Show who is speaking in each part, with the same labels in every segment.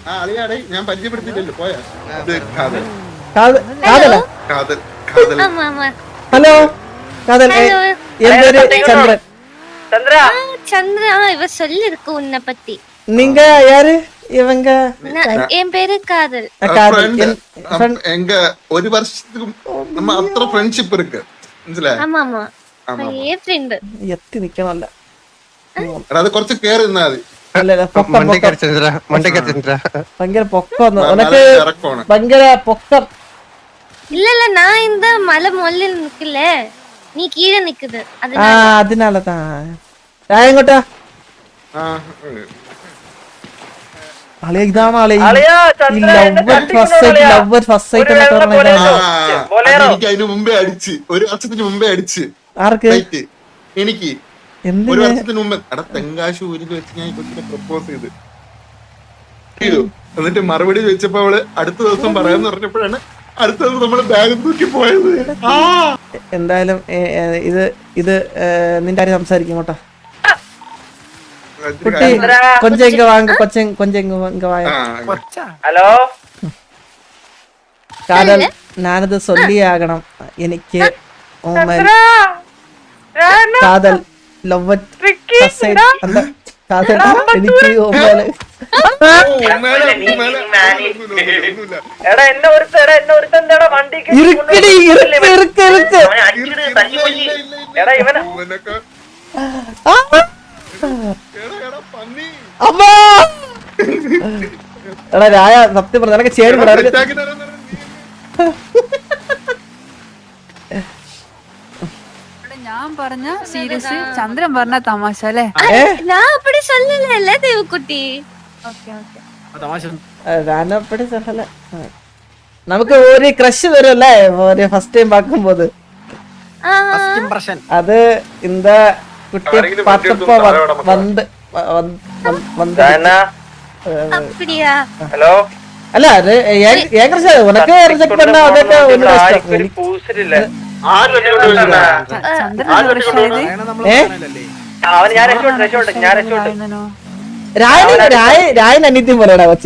Speaker 1: അളിയാടെ ഞാൻ പരിചയപ്പെടുത്തിയില്ലല്ലോ പോയാ ഇത് കാതൽ
Speaker 2: കാതല
Speaker 1: കാതൽ കാതൽ
Speaker 2: ഹലോ കാതൽ என் பேரு சந்திரன்
Speaker 3: சந்திரா இவ சொல்லிருக்கு உன்னை பத்தி.
Speaker 2: நீங்க யாரு இவங்க
Speaker 3: என் பேரு காதல்.
Speaker 1: எங்க ஒரு வருஷத்துக்கு நம்ம அത്ര ഫ്രണ്ട്ഷിപ്പ് இருக்கு മനസ്സിലായോ?
Speaker 3: ஆமா ஆமா ஏ ஃப்ரெண்ட்
Speaker 2: എത്തി നിക്കണല്ല
Speaker 1: അത് കുറച്ച് കേറി നിന്നാ മതി.
Speaker 2: ഭയങ്കര പൊക്കം ഉനക്ക് ഭയങ്കര പൊക്കം.
Speaker 3: இல்ல இல்ல நான் இந்த மலை மொல்ல நிக்கல, நீ கீழே நிக்குது
Speaker 2: അതിനാലதான் എങ്ങോട്ടാ അളിയ ഇതാണ്
Speaker 1: എനിക്ക് അതിന് മുമ്പേ അടിച്ച് ഒരു വർഷത്തിന് മുമ്പേ അടിച്ച്
Speaker 2: ആർക്ക്
Speaker 1: എനിക്ക് ഒരു വർഷത്തിന് മുമ്പ് എടാ തെങ്കാശ് ഊരിൽ വെച്ച് ഞാൻ കൊച്ചിനെ പ്രപ്പോസ് ചെയ്തു എന്നിട്ട് മറുപടി വെച്ചപ്പോ അവള് അടുത്ത ദിവസം പറയാന്ന് പറഞ്ഞപ്പോഴാണ് അടുത്ത ദിവസം നമ്മള് ബാഗ് തൂക്കി പോയത്.
Speaker 2: എന്തായാലും ഇത് നിന്റെ ആരും സംസാരിക്കും കേട്ടോ കുട്ടി. കൊഞ്ചം ഇങ്ങ വാങ്ങ കൊഞ്ചം ഇങ്ങ വായ.
Speaker 4: ഹലോ
Speaker 2: കാതൽ ഞാനത് ചൊല്ലിയാകണം എനിക്ക് കാതൽ ലവ് കാതൽ എനിക്ക് എടാ രായ സത്യം പറഞ്ഞ നിനക്ക് ചേരുന്നുണ്ട്.
Speaker 5: ഞാൻ പറഞ്ഞ സീരിയസ്, ചന്ദ്രൻ പറഞ്ഞ തമാശ അല്ലേ?
Speaker 3: நான் அப்படி சொல்லல தேவக்குட்டி.
Speaker 2: ഞാനപ്പടി സഹല നമുക്ക് ഒരു ക്രഷ് വരുമല്ലേ ഒരു ഫസ്റ്റ് ടൈം പാക്കുമ്പോത്. അത് இந்த കുട്ടി பார்த்தப்போ வந்து
Speaker 3: அப்படியா?
Speaker 4: ഹലോ
Speaker 2: അല്ല അത് ഏൻ ക്രഷ് ഉനക്ക് റിജക്ട് பண்ண അതൊക്കെ ഒന്നും ഇഷ്ടം. രായൻ അനിത്യം പോലെയാ കൊച്ചി.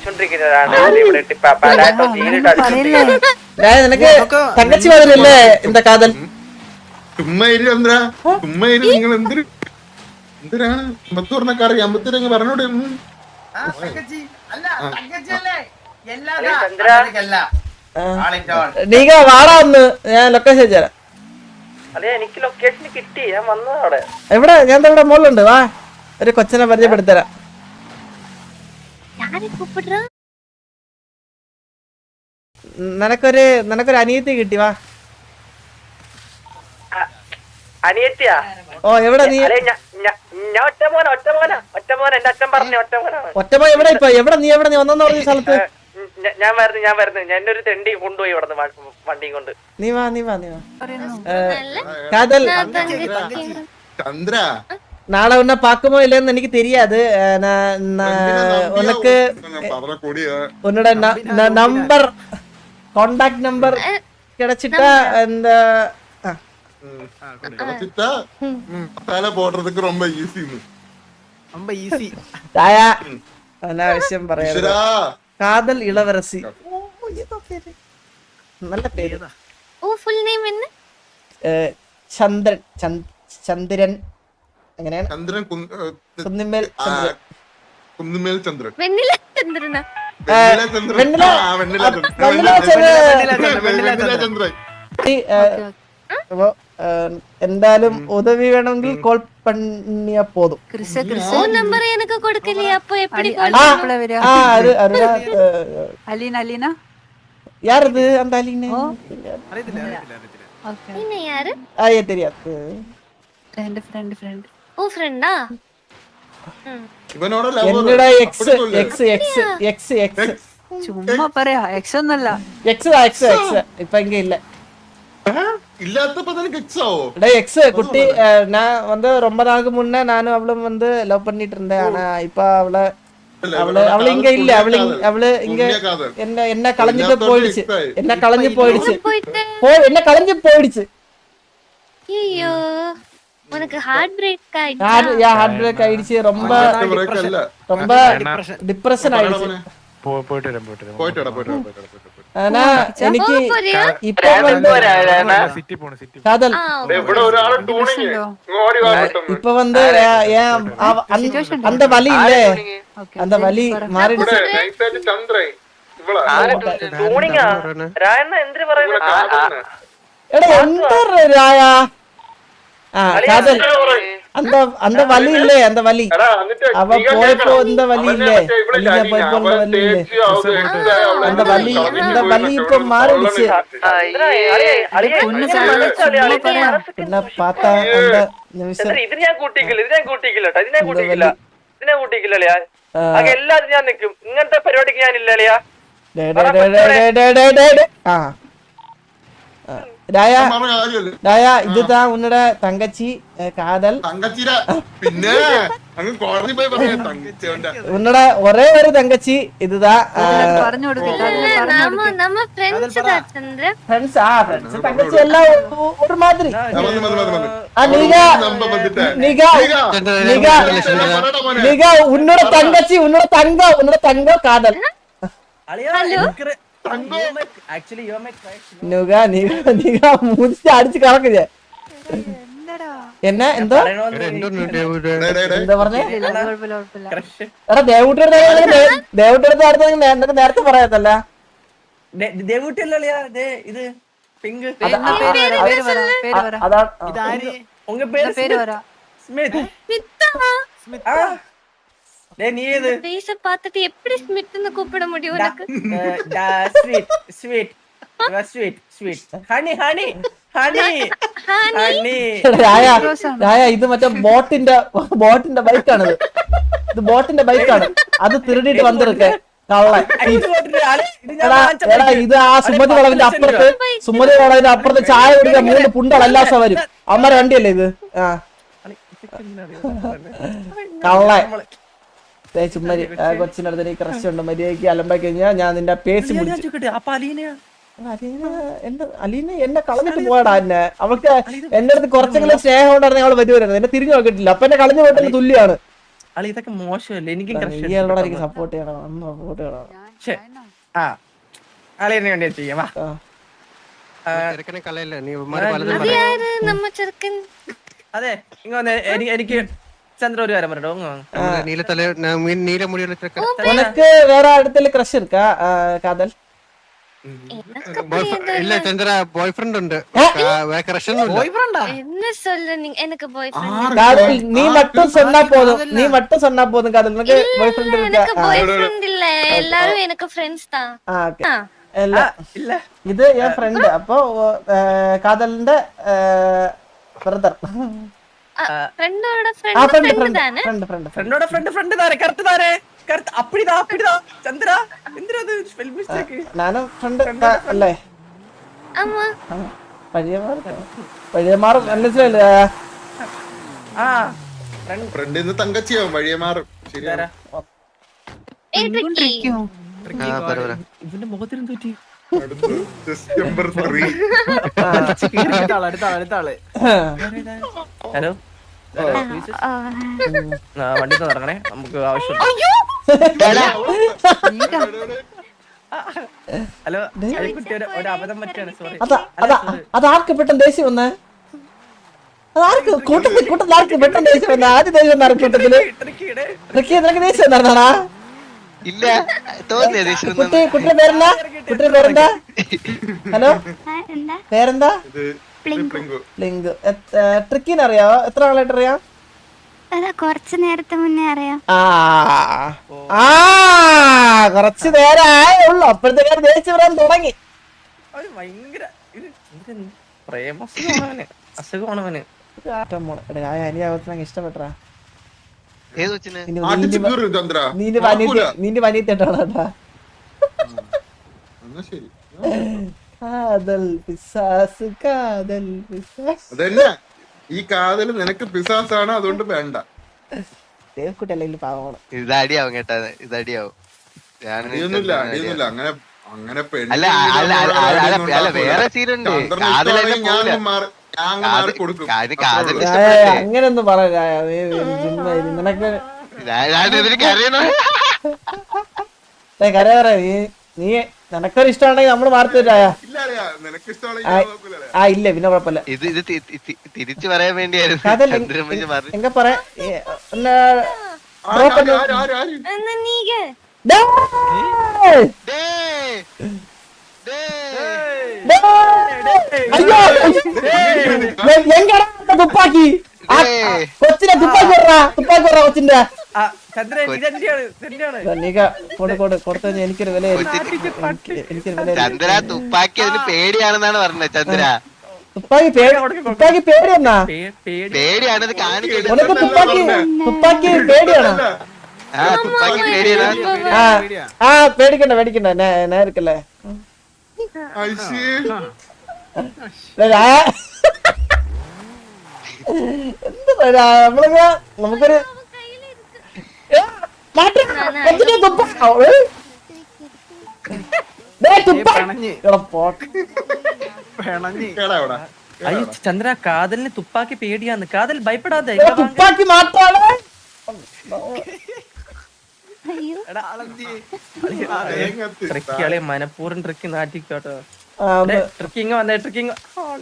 Speaker 2: രായ നിനക്ക് തങ്കച്ചി മാതിരിയല്ലേ എന്താ കാതൽ?
Speaker 1: ചുമ്മാ നിങ്ങൾ എന്തിനാണ് അമ്പത്തൂറിനൊക്കെ അമ്പത്തൂരങ്ങ് പറഞ്ഞോടെ.
Speaker 2: നീക വാടാ ഒന്ന്, ഞാൻ ലൊക്കേഷൻ അയച്ചുതരാം.
Speaker 4: എനിക്ക് ലൊക്കേഷൻ കിട്ടി, ഞാൻ വന്നതവിടെ.
Speaker 2: എവിടെ? ഞാൻ ഇവിടെ മുകളിലുണ്ട്, വാ ഒരു കൊച്ചിനെ പരിചയപ്പെടുത്തരാം. നിനക്കൊരു അനിയത്തി കിട്ടി, വാ.
Speaker 4: അനിയത്തിയാ?
Speaker 2: ഓ എവിടെ നീ? ഒറ്റമോൻ എവിടെ? ഇപ്പൊ എവിടെ നീ വന്നെന്ന് പറഞ്ഞ സ്ഥലത്ത്?
Speaker 4: ഞാൻ വരുന്നു എന്നെ ഒരു തെണ്ടി കൊണ്ടുപോയി ഇവിടെ വണ്ടിയും കൊണ്ട്.
Speaker 2: നീ വാ കാതൽ.
Speaker 1: ചന്ദ്ര
Speaker 2: നാളെ ഉന്നെ പാക്കുമോ ഇല്ലെന്ന് എനിക്ക് தெரியாது. ഉനക്ക് ഉന്നോட നമ്പർ കോണ്ടാക്ട് നമ്പർ கிடைச்சிட்டா എന്താ
Speaker 1: போடுறதுக்கு ரொம்ப ஈஸி.
Speaker 2: അനാവശ്യം പറയാ. കാതൽ ഇളവരസി, നല്ല പേര്. ചന്ദ്രൻ എങ്ങനെയാണ്? കുന്നിന്മേൽ ചന്ദ്രൻ. എന്തായാലും ഉദവി വേണമെങ്കിൽ കോൾ പണിയാ പോതും. யாரது அந்த அலின?
Speaker 3: நீ யாரு?
Speaker 2: தெரியாது.
Speaker 5: ഫ്രണ്ട്.
Speaker 3: ஓ ஃப்ரெண்டா?
Speaker 1: ഇവനോട് ലവ്
Speaker 2: എന്നടാ എക്സ്
Speaker 5: ചുമ്മാ പറയാ. എക്സ് ഒന്നല്ല,
Speaker 2: എക്സ് ഇപ്പൊ ഇങ്ങ ഇല്ല.
Speaker 1: இல்லாதப்ப தான எக்ஸ் ஆவோ.
Speaker 2: டேய் எக்ஸ் குட்டி, நான் வந்து ரொம்ப நாளுக்கு முன்ன நானும் அவளும் வந்து லவ் பண்ணிட்டு இருந்தேன். ஆனா இப்ப அவள இங்க இல்ல. அவளு இங்க என்ன கலஞ்சிட்டு போயிடுச்சு. என்ன கலஞ்சு போயிடுச்சு.
Speaker 3: ஐயோ, உனக்கு ஹார்ட் பிரேக் ஆயிடுச்சு.
Speaker 2: ஹார்ட் பிரேக் ஆயிடுச்சு. ரொம்ப டிப்ரஷன் ஆயிடுச்சு.
Speaker 1: പോയിട്ട്
Speaker 2: ആനാ എനിക്ക്
Speaker 3: പോരെയാ?
Speaker 2: ഇപ്പൊ വന്ന് കാതൽ
Speaker 1: ഇവിടെ ഒരാള് ടൂണിങ് ഓടി വാ പെട്ടെന്ന്.
Speaker 2: இப்ப வந்து அந்த வலி இல்ல அந்த வலி மாறிடுச்சு
Speaker 1: ഇവിടെ നൈസായിട്ട് ചന്ദ്രൻ ഇവളാ
Speaker 4: ടൂണിങ്ങാ രായണ്ണ എന്തിനു പറയുന്നത്
Speaker 2: എടാ എന്താ രായ ആ കാതൽ அந்த அந்த வலி இல்ல அந்த வலி
Speaker 1: എടാ എന്നിട്ട്
Speaker 2: அவ போயப்போ இந்த வலி இல்ல நீங்க போயப்போ இந்த வலி இல்ல அந்த வலி இந்த வலி இப்ப மாறிடுச்சு പിന്നെ பார்த்தா அந்த நிமிஷம்
Speaker 4: ഇത് ഞാൻ കൂട്ടിക്കില്ല ഇത് ഞാൻ കൂട്ടിക്കില്ല കേട്ടോ ഇത് ഞാൻ കൂട്ടിക്കില്ല ഇതിനെ കൂട്ടിക്കില്ല അളിയാ ആകെ എല്ലാരും ഞാൻ നിക്കും ഇങ്ങനത്തെ പരിപാടിക്ക് ഞാൻ ഇല്ല അളിയാ
Speaker 2: ആ രായ
Speaker 1: പറഞ്ഞ കാര്യമല്ലേ
Speaker 2: രായ இதுதான் உன்னோட தங்கச்சி காதல்
Speaker 1: തങ്കച്ചിര പിന്നെ അങ്ങ് കോടതി പോയി പറയാ തങ്കച്ചിയോന്റെ
Speaker 2: உன்னோட ஒரே ஒரு தங்கச்சி இதுதான்
Speaker 5: പറഞ്ഞു കൊടുക്കില്ല
Speaker 3: நம்ம ஃப்ரெண்ட்ஸ் தான் சந்திர
Speaker 2: ஃப்ரெண்ட்ஸ் ஃப்ரெண்ட்ஸ் தங்கச்சி எல்லாம் ஒரு மாதிரி
Speaker 1: നമ്പർ വന്നിട്ട്
Speaker 2: நீங்க உன்னோட தங்கச்சி உன்னோட தங்கம் காதல் நீங்க மூஞ்சி அடிச்சு கலக்குது என்ன എന്തോ എന്താ പറഞ്ഞേ എടാ ദേവൂട്ടിയുടെ അടുത്ത് നേരത്തെ പറയാത്തല്ല
Speaker 4: ഇത് പിങ്ക്
Speaker 2: അതാ
Speaker 4: ഉങ്ക പേര്
Speaker 5: പേര് പറ
Speaker 4: സ്മിത്ത് நீ ஏது
Speaker 3: பேச பார்த்துட்டு எப்படி ஸ்மித்னு கூப்பிட முடியும் உனக்கு
Speaker 4: sweet sweet sweet sweet honey honey honey honey
Speaker 2: രായ ഇത് മറ്റേ ബോട്ടിന്റെ ബൈക്കാണിത് ഇത് ബോട്ടിന്റെ ബൈക്കാണ് അത് തിരുടിയിട്ട് വന്നിരിക്കെ കള്ളൻ എടാ ഇത് ആ സുമതി വളവിന്റെ അപ്പുറത്ത് ചായ കുടിക്കാൻ 3 പുണ്ടൾ എല്ലാ ദിവസവും വരും അമ്മ വണ്ടിയല്ലേ ഇത് ആ കള്ളൻ ചുമ്മാരി കൊച്ചിന്റെ അടുത്ത് എനിക്ക് ക്രഷ് ഉണ്ട് മര്യാദയ്ക്ക് അലമ്പാക്കി കഴിഞ്ഞാൽ ഞാൻ നിന്റെ പേസ് അലീന എന്നെ കളഞ്ഞിട്ട് പോയടാ എന്നെ അവൾക്ക് എന്റെ അടുത്ത് കുറച്ചെങ്കിലും സ്നേഹം ഉണ്ടായിരുന്നു അവള് വരുമായിരുന്നു എന്നെ തിരിഞ്ഞു നോക്കിയിട്ടില്ല അപ്പൊ എന്നെ കളഞ്ഞു പോയിട്ട് തുല്യാണ്
Speaker 4: ഇതൊക്കെ മോശമല്ലേ എനിക്ക്
Speaker 2: നീയോട് എനിക്ക് സപ്പോർട്ട് ചെയ്യണം സപ്പോർട്ട് ചെയ്യണം
Speaker 4: അളിയനെ വേണ്ടി ചെയ്യാം അതെ ഇങ്ങനെ എനിക്ക് ചന്ദ്ര ഒരു കാര്യം പറയട്ടോ
Speaker 2: உனக்கு வேற இடத்துல கிரஷ் இருக்கா காதல்
Speaker 6: இல்ல சந்திரா பாய் ஃப்ரெண்ட் ഉണ്ട് ക്രഷ് ഒന്നും ഇല്ല
Speaker 3: என்ன சொல்ற நீங்க எனக்கு பாய் ஃப்ரெண்ட்
Speaker 2: காதல் நீ மட்டும் சொன்னா போதும் காதல் உனக்கு பாய் ஃப்ரெண்ட் இருக்கா
Speaker 3: எனக்கு பாய் ஃப்ரெண்ட் இல்ல எல்லாரும் எனக்கு ஃப்ரெண்ட்ஸ் தான்
Speaker 2: ஓகே இல்ல இது என் ஃப்ரெண்ட் அப்போ காதலிന്റെ ബ്രദർ
Speaker 3: ഫ്രണ്ടോட ഫ്രണ്ട് தானே
Speaker 4: ഫ്രണ്ടോட ഫ്രണ്ട് താരെ കറക്റ്റ് താരെ കറക്റ്റ് അപ്പിടിതാ ചന്ദ്ര എന്തിനത് സ്പെൽ മിസ്റ്റേക്ക്
Speaker 2: നാനും ഫ്രണ്ട് അല്ലേ
Speaker 3: ஆமா
Speaker 2: പഴയമാർ മനസ്സിലല്ലേ
Speaker 4: ആ
Speaker 1: ഫ്രണ്ടിന്ന് തങ്കച്ചിയാവും വഴിയെ മാറും ശരിയാ
Speaker 4: ഇവന്റെ മുഖത്തിന് പറ്റി
Speaker 1: സെപ്റ്റംബർ 3
Speaker 4: ഹലോ വണ്ടി തുടങ്ങണേ നമുക്ക് ആവശ്യം ഹലോ കുട്ടി ഒരു അബദ്ധം പറ്റിയാണ് സോറി
Speaker 2: അതാർക്ക് പെട്ടെന്ന് ദേഷ്യം വന്നേ അതാർക്ക് കൂട്ടത്തിൽ ആർക്ക് പെട്ടെന്ന് ദേഷ്യം വന്ന ആദ്യം ദേഷ്യം വന്ന കൂട്ടത്തില് നിനക്ക് ദേഷ്യം വന്നാടാ
Speaker 6: ഇല്ല തോന്നിയ
Speaker 2: കുട്ടിയുടെ പേരെന്താ ഹലോ പേരെന്താ ലിങ്ക് ട്രിക്കിന് അറിയാവോ എത്ര ആളായിട്ട് അറിയാം
Speaker 3: കുറച്ചു നേരത്തെ മുന്നേ അറിയാം
Speaker 2: കുറച്ചു നേരം ആയേ ഉള്ളു അപ്പോഴത്തേക്കാണ് ദേഷ്യം വരാൻ തുടങ്ങി
Speaker 4: ഭയങ്കര അസുഖമാണവന്
Speaker 2: ഇഷ്ടപ്പെട്ടാ നിന്റെ വനിയത്തേട്ടാ
Speaker 1: അതന്നെ ഈ കാതല് നിനക്ക് പിസാസാണ് അതുകൊണ്ട് വേണ്ട
Speaker 2: ദേവക്കുട്ടി അല്ലെങ്കിൽ പാവമാണ്
Speaker 6: ഇതടിയാവും കേട്ടാ ഇതടിയാവും
Speaker 1: അടിയൊന്നുമില്ല അങ്ങനെ അങ്ങനെ
Speaker 6: വേറെ സീനുണ്ട്
Speaker 2: അങ്ങനൊന്നും പറയാ നിനക്ക് കരയാറ നീ നിനക്കൊരു ഇഷ്ടമാണെങ്കിൽ നമ്മള് മാറി തരായ
Speaker 1: ഇല്ല അറിയാ നിനക്ക് ഇഷ്ടമുള്ള ഞാൻ നോക്കൂല അറിയാ.
Speaker 2: ആ ഇല്ല പിന്നെ കുഴപ്പമില്ല
Speaker 6: ഇത് തിരിച്ചു പറയാൻ വേണ്ടിയായിരുന്നു
Speaker 2: അതല്ല
Speaker 6: ചന്ദ്രമഞ്ഞ് പറഞ്ഞു.
Speaker 2: എങ്ക പറ
Speaker 1: ആര്, ആര്, ആര്, ആര്, ആര്?
Speaker 3: എന്നാ നീങ്ക
Speaker 2: എങ്കടാ തുപ്പാക്കി കൊച്ചിനെ തുപ്പാക്കി തുപ്പാക്കി കൊച്ചിന്റെ നീക്ക കൊടുത്ത എനിക്കൊരു വില എനിക്കൊരു വില
Speaker 6: ചന്ദ്ര തുപ്പാക്കി അതിന് പേടിയാണെന്നാണ് പറഞ്ഞത്. ചന്ദ്ര
Speaker 2: തുപ്പാക്കി പേടിയെന്നാ
Speaker 6: പേടിയാണത് കാണിക്കുന്നത്.
Speaker 2: ഉനക്ക് തുപ്പാക്കി പേടിയാണോ
Speaker 6: ആ തുപ്പാക്കി പേടിയാണ്.
Speaker 2: ആ പേടിക്കണ്ട നേരിക്കല്ലേ
Speaker 1: ഐശി.
Speaker 2: എന്താ നമുക്കൊരു
Speaker 1: കേടാ ഇവിടെ.
Speaker 4: അയ്യോ ചന്ദ്ര കാതലിന് തുപ്പാക്കി പേടിയാന്ന്. കാതൽ ഭയപ്പെടാതെ
Speaker 2: തുപ്പാക്കി മാത്രമാണ്
Speaker 1: തേങ്ങത്ത്
Speaker 4: ട്രിക്കിയാളെ മനഃപൂർവ്വം ട്രിക്കി നാട്ടിക്കോട്ടോ. ട്രിക്കിങ് വന്നേ ട്രിക്കിങ്.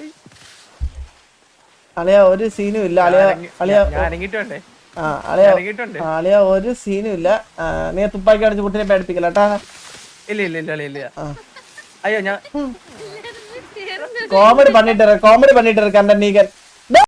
Speaker 2: അളിയ ഒരു സീനും ഇല്ല അളിയ
Speaker 4: ഞാൻ അനങ്ങിട്ട് വേണ്ടേ?
Speaker 2: അളിയ ഒരു സീനും ഇല്ല നീ തുപ്പാക്കി അടിച്ച് കുട്ടിനെ പേടിപ്പിക്കല കേട്ടാ
Speaker 4: ഇല്ല അയ്യോ ഞാൻ
Speaker 2: കോമഡി பண்ணிட்டு இருக்க அந்த நீங்க